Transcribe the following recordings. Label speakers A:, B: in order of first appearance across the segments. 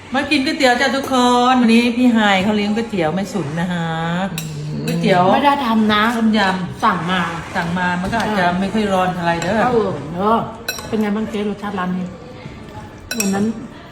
A: มากินก๋วยเตี๋ยวจ้าทุกคนวันนี้พี่ไฮเขาเลี้ยงก๋วยเตี๋ยวไม่สุนนะฮะก๋วยเตี๋ยว
B: ไม่ได้ทำนะ
A: ต้มย
B: สั่งมา
A: ำสั่งมามันก็อาจจะไม่ค่อยร้อนอะไรเด้อ
B: เออเป็นไงบ้างเจ๊รสชาติร้านนี้วันนั้น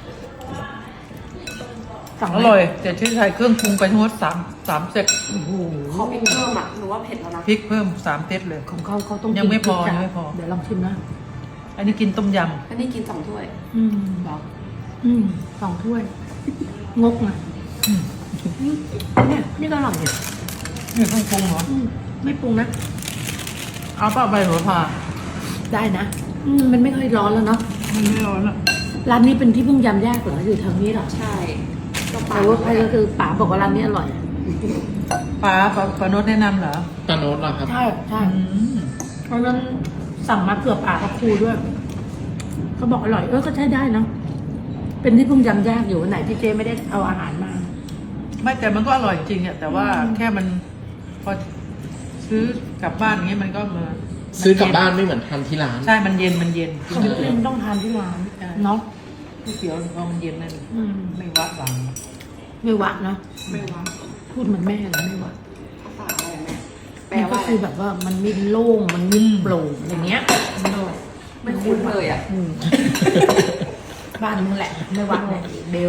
B: สั่ง
A: อร่อยแต่ที่ใส่เครื่องปรุงไปทั้งหมดสามเซต
B: โอ้โห
C: เขาพริกเพิ่มอ่ะหนูว่าเผ็ดแล้วนะ
A: พริกเพิ่ม3 เซตเลย
B: ของเขาต้อง
A: ยังไม่พอ
B: กิน
A: ยังไม่พอ
B: เดี๋ยวลองชิมนะ
A: อันนี้กินต้มย
C: อันนี้กิน2 ถ้วย
B: บอก2 ถ้วย งกนะเนี่ยนี่ก็อร่อยเนี่ย
A: ำนี่เครื่องปรุงเหรอ
B: ไม่ปรุงนะ
A: เอาเปล่าใบหัวผ่า
B: ได้นะมันไม่ค่อยร้อนแล้วเนาะ
A: มันไม่ร้อนอ่ะ
B: ร้านนี้เป็นที่เพิ่งยำแยกเหรออยู่แถวนี้เหรอ
C: ใช่ก็ปลา
B: แต่ว่าใครก็คือป๋าบอกว่าร้านนี้อร่อย
A: ปลาโน้ตแนะนำเหรอ
D: ตาโน้ตเหรอครับ
B: ใช่ใช่
A: อืม
B: เพราะฉะนั้นสั่งมาเผื่อป๋ากับครูด้วยเขาบอกอร่อยก็ใช้ได้เนาะเป็นที่เพิ่งยำแยกอยู่วันไหนที่เจ๊ไม่ได้เอาอาหารมา
A: ไม่แต่มันก็อร่อยจริงอ่ะแต่ว่าแค่มันพอซื้อกลับบ้านอย่างเงี้ยมันก็มา
D: ซื้อกลับบ้านไม่เหมือนทานที่ร้าน
A: ใช่มันเย็นกิน
B: ของ
A: ก๋วย
B: เล่
A: เตี๋ยวน
B: ต้องทานที่ร้านเนาะ
A: ก๋วยเตี๋ยวพอมันเย็นนั่น
B: อืม
A: ไม่วัดหวัง
B: ไม่หวานเนาะ
C: ไม่ว่า
B: พูดเหมือนแม่เลยไม่หวาน
C: ภาษาอะไรแม่แปล
B: มันก็
C: ว่าอะไร
B: คือแบบว่ามันไม่โล่งมันไม่โปร่งอะไรเงี้ย
C: ไม่คุ้นเลยอ่ะ
B: บ้านมึงแหละ ไม่หวานเลยเบล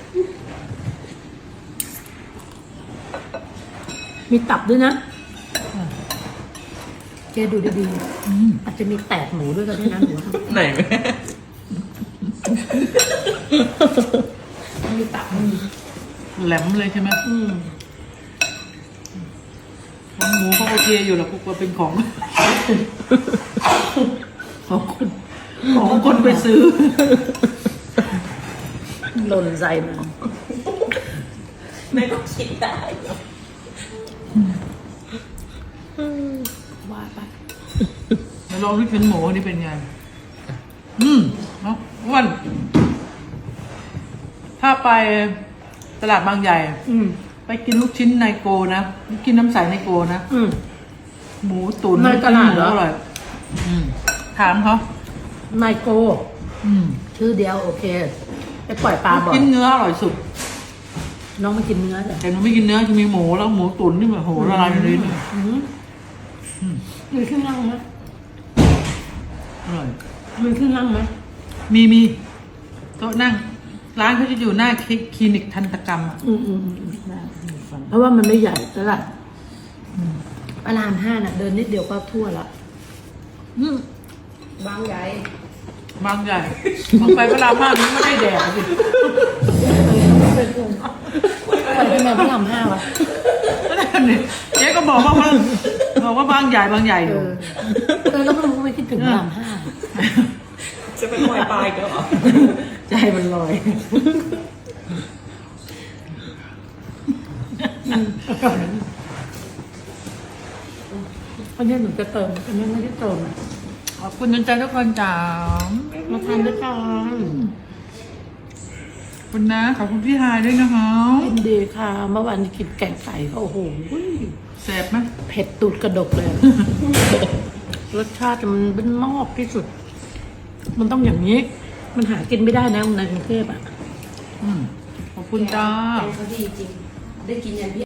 B: มีตับด้วยนะเจ๊ดูดีๆอาจจะมีแตกหมูด้วยก็ได้นะหนูว่า
D: ไหนแม่
B: มีตับ
A: แหลมเลยใช่ไหมของหมูเขาโอเคอยู่แล้วพวกว่าเป็นของ ของคนไปซื้อ
B: หล่นใส่มา
C: ไม่ต้องคิดได้
B: ว่าไป
A: แล้วลองลูกชิ้นหมูนี่เป็นไงเนาะอ้วน ถ้าไปตลาดบางใหญ่ ไปกินลูกชิ้นไนโกนะ กินน้ำใสไนโกนะ หมูตุ๋น
B: ในตลาดเหรอ
A: มูอร่อยถามเขา
B: ไนโกชื่อเดียวโอเค ไปปล่อยปลาบ่อย
A: กินเนื้ออร่อยสุด
B: น้องไม่กินเนื้อจ้ะ
A: แต่หนูไม่กินเนื้อจะมีหมูแล้วหมูตุ๋นที่แบบโหละลายในลิ้น
B: มีเครื่องนั่งไหม
A: อร่อย
B: มีเครื่องนั่งไหม
A: มีโต๊ะนั่ง ร้านเขาจะอยู่หน้าคลินิกทันตกรรมอ่ะ
B: เพราะว่ามันไม่ใหญ่ตลาดพระราม5น่ะ เดินนิดเดียวก็ทั่วละ
C: บางใหญ่
A: บางใหญ่บางไปเวลามากมันไม่ได้แดดสิ
B: ไปทำไมพระราม5วะ
A: นั่นนี่เจ๊ก็บอกว่าบางใหญ่อยู่
B: แล้วมันไม่คิดถึงพระราม5
C: จะเป็นลอยปลายก็เหรอ
B: ใจมันลอยอันนี้หนูจะเติมอันนี้ไม่ได้เติม
A: ขอบคุณใจทุกคนจ้า
B: มาทานด้วยกัน
A: ขอบคุณนะขอบคุณพี่ฮายด้วยนะคะ
B: ยินดีค่ะ เมื่อวานนี้กินแกงไก่ก็โอ้โห
A: แซ่บไหม
B: เผ็ดตูดกระดกเลย รสชาติมันเป็นมอกที่สุด มันต้องอย่างนี้ มันหากินไม่ได้นะในกรุงเทพอ่ะ
A: ขอบคุณจ้า
C: แกงเขาดีจริง ได้กินอย่างเดียว